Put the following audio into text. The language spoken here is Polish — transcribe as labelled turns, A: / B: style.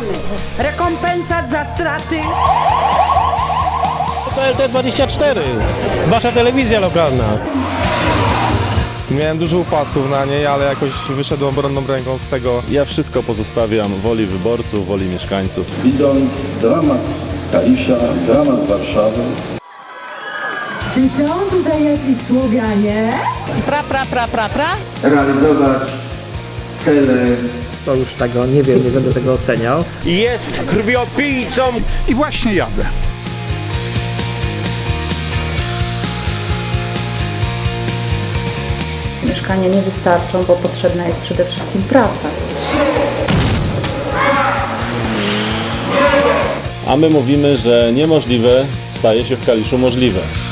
A: rekompensat za straty.
B: To LT24, wasza telewizja lokalna.
C: Miałem dużo upadków na niej, ale jakoś wyszedłem obronną ręką z tego.
D: Ja wszystko pozostawiam woli wyborców, woli mieszkańców.
E: Widząc dramat Kalisza, dramat Warszawy.
F: Czy są tutaj jacyś Słowianie?
E: Realizować cele.
G: To już tego nie wiem, nie będę tego oceniał.
B: Jest krwiopijcą.
H: I właśnie jadę.
I: Mieszkania nie wystarczą, bo potrzebna jest przede wszystkim praca.
D: A my mówimy, że niemożliwe staje się w Kaliszu możliwe.